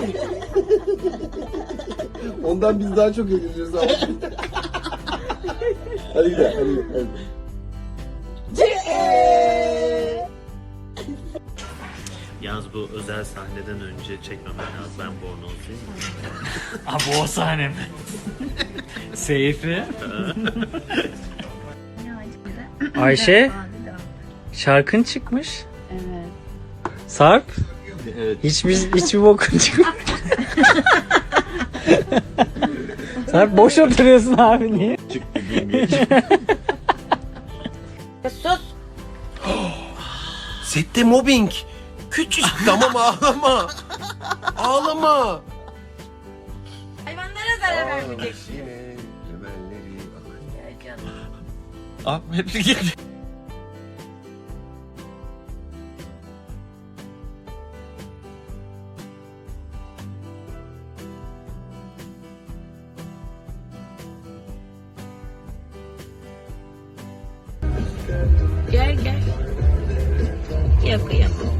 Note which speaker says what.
Speaker 1: Ondan biz daha çok eğleniyoruz abi. Hadi gidelim, hadi gidelim.
Speaker 2: Yalnız bu özel sahneden önce çekmemen lazım. Ben bornozluyum.
Speaker 3: Abi o sahne mi? Seyfi. Ayşe, şarkın çıkmış.
Speaker 4: Evet.
Speaker 3: Sarp,
Speaker 2: Evet.
Speaker 3: hiçbir bokun çıkmamış. Sarp boş oturuyorsun abi, niye?
Speaker 2: Çıktı bilmiyorum.
Speaker 4: Sus.
Speaker 1: Sette mobbing. Küçük. Tamam ağlama. Ağlama.
Speaker 4: Hayvanlara zarar vermeyecek.
Speaker 1: Yine temelleri
Speaker 4: Ya canım.
Speaker 2: Abi hepsi gitti.
Speaker 4: Gel gel. Yok yok.